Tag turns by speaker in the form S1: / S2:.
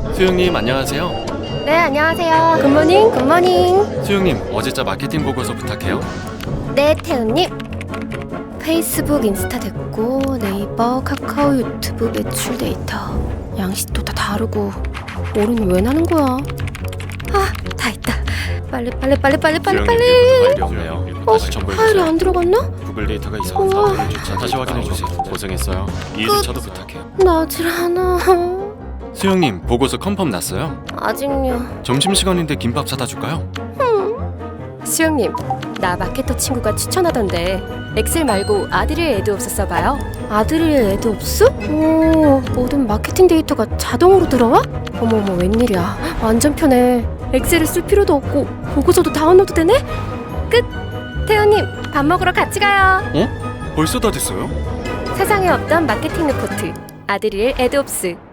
S1: 수영님 안녕하세요.
S2: 네, 안녕하세요. 굿모닝, 굿모닝.
S1: 수영님 어제자 마케팅 보고서 부탁해요.
S2: 네, 태훈님. 페이스북, 인스타 됐고 네이버, 카카오, 유튜브 매출 데이터 양식도 다 다르고 오류는 왜 나는 거야? 아, 다 있다. 빨리.
S1: 수영님 파일이 없네요. 다시 첨부해
S2: 파일이
S1: 주세요.
S2: 안 들어갔나?
S1: 구글 데이터가
S2: 우와.
S1: 이상해서 2주차 다시 확인해 주세요. 고생했어요. 2주차도 부탁해요.
S2: 나질 않아.
S1: 수영님 보고서 컨펌 났어요.
S2: 아직요.
S1: 점심시간인데 김밥 사다 줄까요?
S2: 수영님, 나 마케터 친구가 추천하던데 엑셀 말고 아드릴 애드옵스 써봐요. 아드릴 애드옵스? 오, 모든 마케팅 데이터가 자동으로 들어와? 어머머, 웬일이야. 완전 편해. 엑셀을 쓸 필요도 없고 보고서도 다운로드 되네? 끝! 태연님, 밥 먹으러 같이 가요.
S1: 벌써 다 됐어요?
S2: 세상에 없던 마케팅 리포트 아드릴 애드옵스.